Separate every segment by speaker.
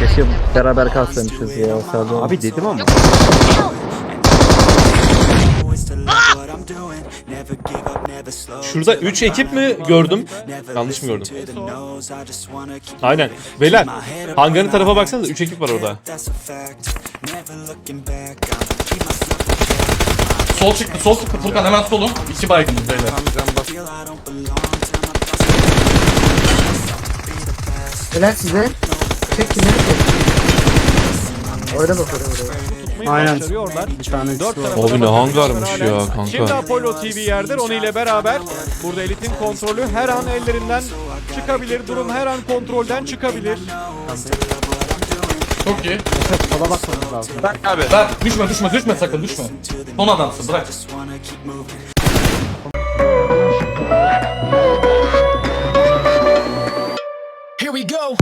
Speaker 1: Keşke beraber kalsaymışız ya. Sağ abi dedim ama.
Speaker 2: Şurada 3 ekip mi gördüm? Yanlış mı gördüm? Aynen. Beyler, hangarın tarafa baksanıza 3 ekip var orada.
Speaker 3: Sol çıktı, sol çıktı Furkan, hemen solun. 2 baygınız beyler.
Speaker 4: Helal size. Çek kimleri çek. Orada bak oraya.
Speaker 5: Aynen.
Speaker 6: Bir tane
Speaker 2: Abi ne hangarmış ya kanka.
Speaker 7: Şimdi Apollo TV yerdir. Onu ile beraber burada Elit'in kontrolü her an ellerinden çıkabilir. Durum her an kontrolden çıkabilir.
Speaker 3: Çok iyi.
Speaker 4: Sola bakmamız lazım.
Speaker 3: Bırak abi. Bırak, düşme sakın, düşme. Son adamsın, bırak.
Speaker 8: Here we go.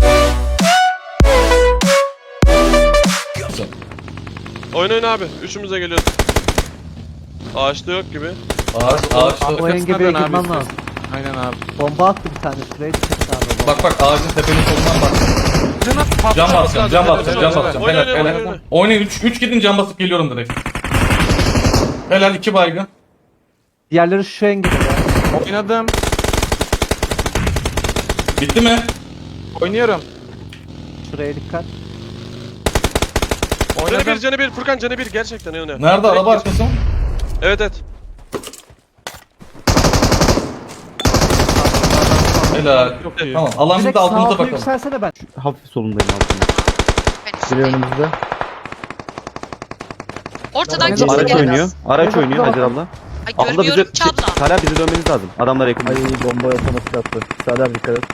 Speaker 9: Oynayın abi. Üçümüze geliyoruz. Ağaçta yok gibi.
Speaker 3: Ağaç.
Speaker 4: O engebeye girmem lazım.
Speaker 9: Aynen abi.
Speaker 4: Bomba attı bir tane. Şuraya dikkat et abi.
Speaker 3: Bak ağacın tepenin solundan bak. Cam basacağım. Helal. Oynayın 3 gidin, cam basıp geliyorum direkt. Helal 2 baygın.
Speaker 4: Diğerleri şu engebe ya.
Speaker 9: Oynadım.
Speaker 3: Bitti mi?
Speaker 9: Oynuyorum.
Speaker 4: Şuraya dikkat.
Speaker 9: Canı bir Furkan canı bir gerçekten oynuyor.
Speaker 3: Nerede araba arkası?
Speaker 9: Evet.
Speaker 3: Helal. Tamam. Alan bir de altımıza
Speaker 4: Sağa
Speaker 3: bakalım.
Speaker 4: yükselsene ben.
Speaker 1: Hafif solundayım altında. Biri önümüzde.
Speaker 10: Ortadan
Speaker 4: Araç
Speaker 10: kimse
Speaker 1: Araç
Speaker 10: gelemez.
Speaker 1: oynuyor. Araç oynuyor Hacer abla.
Speaker 10: Ay
Speaker 1: Abla bize
Speaker 10: görmüyorum ki abla.
Speaker 1: Hala bize dönmeniz lazım. Adamlar yakın. Ay bomba otomatik attı. Sağlar dikkat et.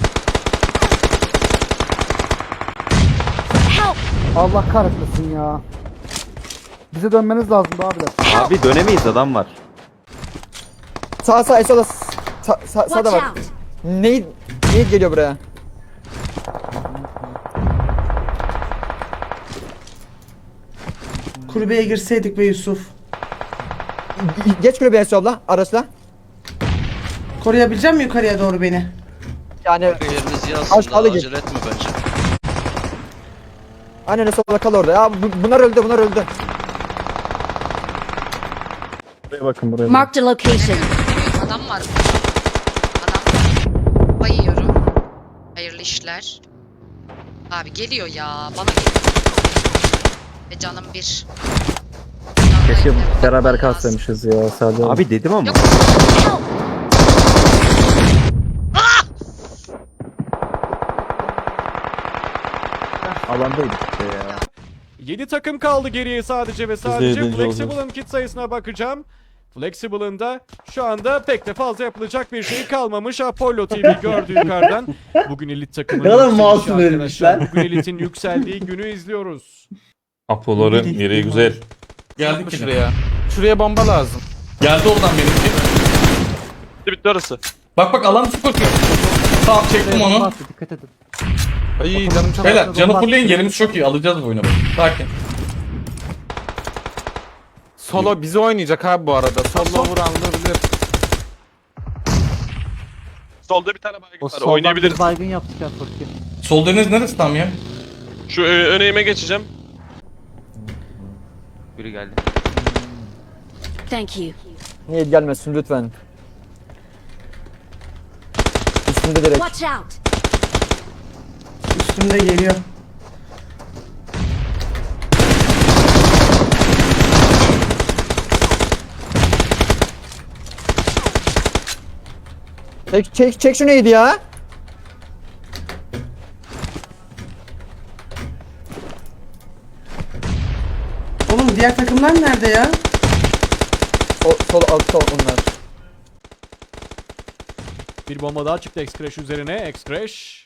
Speaker 4: Allah kahretmesin ya. Bize dönmeniz lazım abiler.
Speaker 1: Abi dönemeyiz, adam var.
Speaker 5: Sağ Esola. Sağda bak. Neyit geliyor buraya.
Speaker 6: Kulübeye girseydik be Yusuf.
Speaker 5: Geç kulübeye Esola araçla.
Speaker 6: Koruyabilecek misin yukarıya doğru beni?
Speaker 5: Yani
Speaker 8: Yerinizi
Speaker 5: Aşağıda git.
Speaker 8: acele etme bence.
Speaker 5: aynen Esola kal orada. Ya bunlar öldü.
Speaker 1: Buraya bakın buraya.
Speaker 10: Marked a location. Adam var. Adam. Bayıyorum. Hayırlı işler. Abi geliyor ya. Bana geliyor. Ve canım bir.
Speaker 1: Keşke beraber kalsaymışız ya. Sağ abi dedim ama.
Speaker 10: Yok.
Speaker 1: Alandaydık işte ya.
Speaker 7: 7 takım kaldı geriye sadece ve sadece. Flexible'ın kit sayısına bakacağım. Flexible'ın da şu anda pek de fazla yapılacak bir şey kalmamış. Apollo TV gördü yukarıdan. Bugün elit takımın
Speaker 6: Ne kadar
Speaker 7: yükselişi
Speaker 6: masum
Speaker 7: arkadaşlar.
Speaker 6: vermişler.
Speaker 7: Bugün elitin yükseldiği günü izliyoruz.
Speaker 2: Apollo'ların yeri güzel.
Speaker 3: Geldik yine.
Speaker 9: Şuraya bomba lazım.
Speaker 3: Geldi oradan benimki.
Speaker 9: Bitti orası.
Speaker 3: Bak alan su kokuyor. Tamam çektim
Speaker 4: Bomba
Speaker 3: onu.
Speaker 4: attı, dikkat edin.
Speaker 9: Ay canım çok.
Speaker 3: Helal canı fullleyin, yerimiz çok iyi. Alacağız bu oyunu. Sakin.
Speaker 9: Solo bizi oynayacak abi bu arada. Solo vurabilir. Solda bir tane baygın
Speaker 4: O
Speaker 9: var.
Speaker 4: soldan
Speaker 9: Oynayabiliriz.
Speaker 4: bir baygın yaptık ya Furki.
Speaker 3: Sol deniz neresi tam ya?
Speaker 9: Şu öneğime geçeceğim.
Speaker 8: Biri geldi.
Speaker 10: Thank you.
Speaker 5: Niye gelmesin lütfen. Üstünde direkt.
Speaker 10: Watch out.
Speaker 6: Üstümde geliyor.
Speaker 5: Çek şu neydi ya?
Speaker 6: Oğlum diğer takımlar nerede ya?
Speaker 5: Sol altta onlar.
Speaker 7: Bir bomba daha çıktı X-Crash üzerine. X-Crash.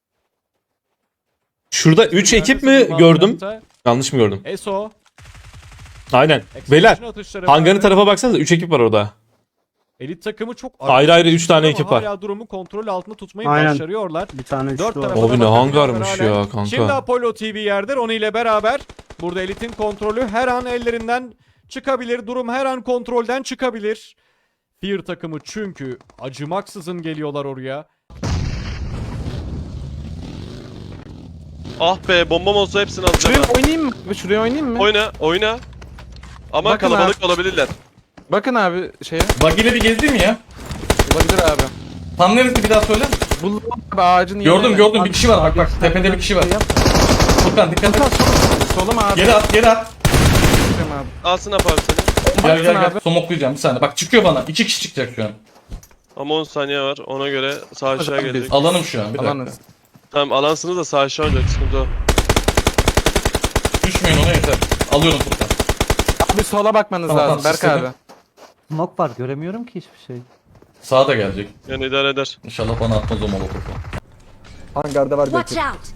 Speaker 2: Şurada 3 ekip mi gördüm? Yanlış mı gördüm?
Speaker 7: Eso.
Speaker 2: Aynen. Beyler,
Speaker 7: Atışları
Speaker 2: hangarın
Speaker 7: vardı.
Speaker 2: tarafa baksanıza 3 ekip var orada.
Speaker 7: Elit takımı çok
Speaker 2: Ayrı ayrı 3 tane
Speaker 7: ama
Speaker 2: ekip var.
Speaker 7: hala durumu kontrol altında tutmayı
Speaker 6: Aynen.
Speaker 7: başarıyorlar.
Speaker 6: Bir tane
Speaker 7: Dört
Speaker 6: üçlü
Speaker 7: tarafa
Speaker 6: var.
Speaker 7: da
Speaker 2: Abi ne
Speaker 7: bakabiliyorlar
Speaker 2: hangarmış
Speaker 7: hala.
Speaker 2: ya kanka.
Speaker 7: Şimdi Apollo TV yerdir. Onu ile beraber burada Elit'in kontrolü her an ellerinden çıkabilir. Durum her an kontrolden çıkabilir. Fear takımı çünkü acımaksızın geliyorlar oraya.
Speaker 9: Ah be, bombam olsa hepsini alacağım.
Speaker 11: Şuraya
Speaker 9: ha.
Speaker 11: oynayayım mı? Şuraya oynayayım mı?
Speaker 9: Oyna. Ama
Speaker 11: Bakın
Speaker 9: kalabalık olabilirler.
Speaker 11: Bakın abi şeye.
Speaker 3: Bagileri gezdi mi ya?
Speaker 11: Olabilir abi.
Speaker 3: Tam neresi bir daha söyle.
Speaker 11: Bu abi ağacın
Speaker 3: Gördüm
Speaker 11: yanına.
Speaker 3: bir kişi var bak tepede bir kişi var. Furkan dikkat et.
Speaker 11: Solum abi.
Speaker 3: Geri at.
Speaker 11: Abi.
Speaker 9: Alsın abi seni.
Speaker 3: Gel
Speaker 11: abi.
Speaker 3: Somoklayacağım bir saniye. Bak çıkıyor bana. 2 kişi çıkacak şu an.
Speaker 9: Ama 10 saniye var. Ona göre sağ aşağı
Speaker 11: Hadi
Speaker 9: gelecek.
Speaker 3: Alanım şu an bir dakika.
Speaker 11: Alanız.
Speaker 9: Tamam, alansınız da sağ aşağı olacak, sıkıntı o.
Speaker 3: Düşmeyin ona yeter. Alıyorum Furkan.
Speaker 11: Abi sola bakmanız
Speaker 3: Tamam,
Speaker 11: lazım Berk
Speaker 3: tamam,
Speaker 11: abi.
Speaker 1: Smoke var göremiyorum ki hiçbir şey.
Speaker 3: Sağa da gelecek.
Speaker 9: Yani idare eder.
Speaker 3: İnşallah bana atmaz o molotofu.
Speaker 5: Hangarda var
Speaker 10: Watch
Speaker 5: belki.
Speaker 10: out.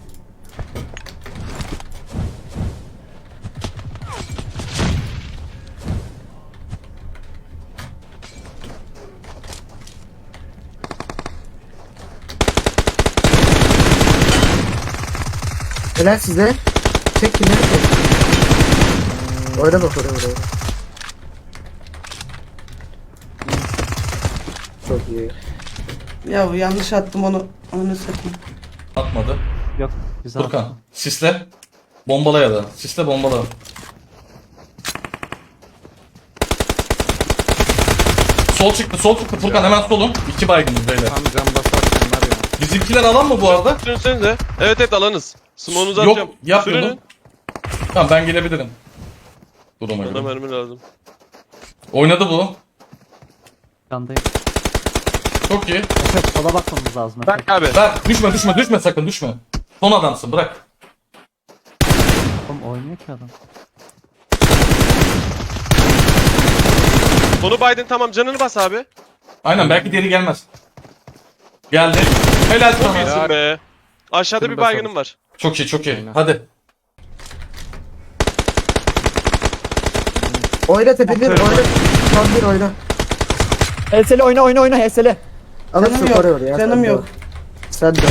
Speaker 4: Helal size. Çek kimleri çek. Oyna bak oraya. Çok iyi.
Speaker 6: Ya yanlış attım onu. Onu satayım.
Speaker 3: Atmadı.
Speaker 1: Yok güzel.
Speaker 3: Furkan sisle. Bombala ya da. Sisle bombala. Sol çıktı Furkan hemen solum. 2 baygınız beyler.
Speaker 11: Tam cam basar bunlar ya.
Speaker 3: Bizimkiler alan mı bu arada?
Speaker 9: Sürünsenize. Evet alanız. Smoke'unuzu
Speaker 3: Yok
Speaker 9: atacağım.
Speaker 3: yapmıyor
Speaker 9: Sürünün.
Speaker 3: mu? Tamam ben gelebilirim. Duruma
Speaker 9: Bana
Speaker 3: göre.
Speaker 9: mermi lazım.
Speaker 3: Oynadı bu.
Speaker 1: Yandayım.
Speaker 3: Çok iyi.
Speaker 1: Efe sola bakmamız lazım. Efe.
Speaker 9: Berk abi.
Speaker 3: Berk düşme sakın düşme. Son adamsın bırak.
Speaker 1: Oğlum oynuyor ki adam.
Speaker 9: Sonu Biden, tamam, canını bas abi.
Speaker 3: Aynen belki geri gelmez. Geldi. Helal
Speaker 9: Çok
Speaker 3: sana.
Speaker 9: iyisin be. Aşağıda
Speaker 11: Şunu
Speaker 9: bir
Speaker 11: da
Speaker 9: baygınım
Speaker 11: sal.
Speaker 9: var.
Speaker 3: Çok iyi.
Speaker 11: Aynen.
Speaker 3: Hadi.
Speaker 4: Oyna tepede oyna. Tam bir oyna.
Speaker 5: Helsele oyna Helsele.
Speaker 4: Alırsın
Speaker 6: Canım yok.
Speaker 4: oraya ya.
Speaker 6: Canım
Speaker 4: sen de.
Speaker 6: yok.
Speaker 4: Sen de.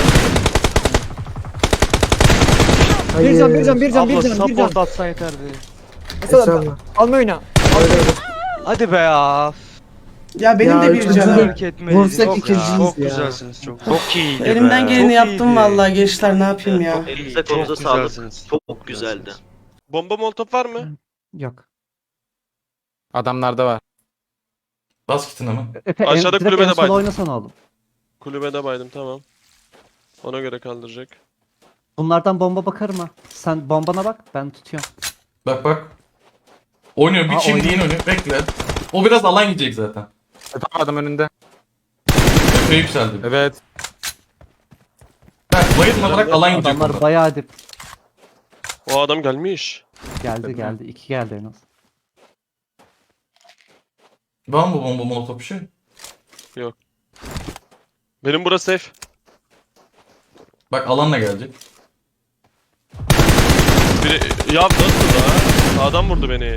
Speaker 5: Bir can.
Speaker 1: atsa yeterdi.
Speaker 5: Mesela alma oyna.
Speaker 1: Hadi be ya.
Speaker 6: Ya benim de bir
Speaker 4: üçüncü
Speaker 6: canım.
Speaker 4: Vursak ikinciyiz ya.
Speaker 8: güzelsiniz çok. Çok iyiydi
Speaker 6: Elimden geleni yaptım vallahi gençler, ne yapayım ya.
Speaker 8: Elinize kolunuza sağlık. Çok güzeldi.
Speaker 9: Bomba molotof var mı?
Speaker 1: Yok.
Speaker 11: Adamlarda var.
Speaker 3: Bas kitini hemen.
Speaker 1: Efe
Speaker 9: Aşağıda
Speaker 1: direkt
Speaker 9: kulübede
Speaker 1: en sola
Speaker 9: Biden.
Speaker 1: oynasana oğlum.
Speaker 9: Kulübede baydım, tamam. Ona göre kaldıracak.
Speaker 1: Bunlardan bomba bakarım ha. Sen bombana bak ben tutuyorum.
Speaker 3: Bak. Oynuyor bir
Speaker 1: Ha,
Speaker 3: çimdiğin önü. Bekle. O biraz alan gidecek zaten.
Speaker 11: Tam adam önünde.
Speaker 3: Epey yükseldi.
Speaker 11: Evet.
Speaker 3: Berk bayılma bırak alan gidecek.
Speaker 1: Adamlar
Speaker 3: burada.
Speaker 1: bayağı dip.
Speaker 9: O adam gelmiş.
Speaker 1: Geldi. 2 geldi en az.
Speaker 3: Var mı bu bomba molotof bir şey?
Speaker 9: Benim burası safe.
Speaker 3: Bak alanla gelecek.
Speaker 9: Ya nasıl da? Sağdan vurdu beni.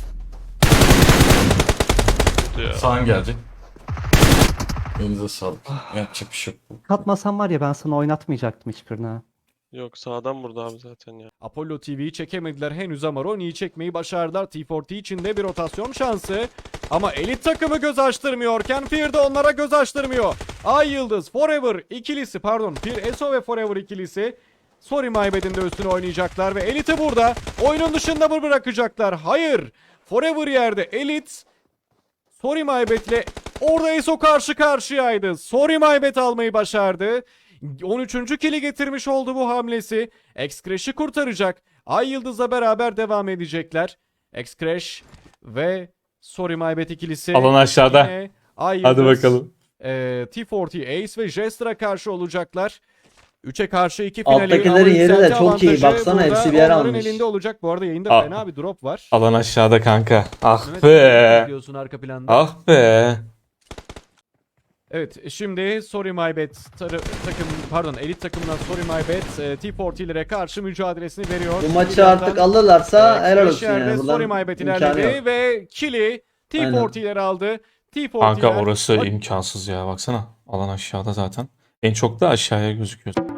Speaker 9: Ya.
Speaker 3: Sağın gelecek. Elinize sağlık. Yapacak bir şey yok.
Speaker 1: Katmasam var ya ben sana oynatmayacaktım hiçbirini ha.
Speaker 9: Yok, sağdan vurdu abi zaten ya.
Speaker 7: Apollo TV'yi çekemediler henüz ama Ronnie'yi çekmeyi başardılar. T40 için de bir rotasyon şansı. Ama elit takımı göz açtırmıyorken Fear de onlara göz açtırmıyor. Ay Yıldız, Forever ikilisi Fear Eso ve Forever ikilisi Sorry My Bad'in de üstüne oynayacaklar ve Elit'i burada oyunun dışında mı bırakacaklar? Hayır. Forever yerde, Elit Sorry My Bad'le orada Eso karşı karşıyaydı. Sorry My Bad almayı başardı. 13. kili getirmiş oldu bu hamlesi. X-Crash'i kurtaracak. Ay Yıldız'la beraber devam edecekler. X-Crash ve Sorry My Bad ikilisi.
Speaker 2: Alan aşağıda.
Speaker 7: Yine Ay
Speaker 2: Hadi
Speaker 7: Yıldız,
Speaker 2: bakalım.
Speaker 7: T40 Ace ve Jester'a karşı olacaklar. 3'e karşı 2 finali.
Speaker 5: Alttakilerin
Speaker 7: ama
Speaker 5: yeri de
Speaker 7: yükselti
Speaker 5: çok iyi.
Speaker 7: avantajı
Speaker 5: Baksana
Speaker 7: burada
Speaker 5: hepsi bir yer
Speaker 7: onların
Speaker 5: almış.
Speaker 7: elinde olacak. Bu arada yayında
Speaker 2: Aa.
Speaker 7: fena bir drop var.
Speaker 2: Alan aşağıda kanka. Ah
Speaker 7: Evet,
Speaker 2: be.
Speaker 7: diyorsun arka planda.
Speaker 2: Ah be.
Speaker 7: Evet, şimdi Sorry My Bad elit takımından Sorry My Bad T40'lere karşı mücadelesini veriyor.
Speaker 5: Bu maçı artık alırlarsa helal olsun yani.
Speaker 7: Sorry My Bad ilerledi ve kill'i T40'ler aldı.
Speaker 2: Kanka
Speaker 7: T40'ler
Speaker 2: orası imkansız ya, baksana. Alan aşağıda zaten. En çok da aşağıya gözüküyor.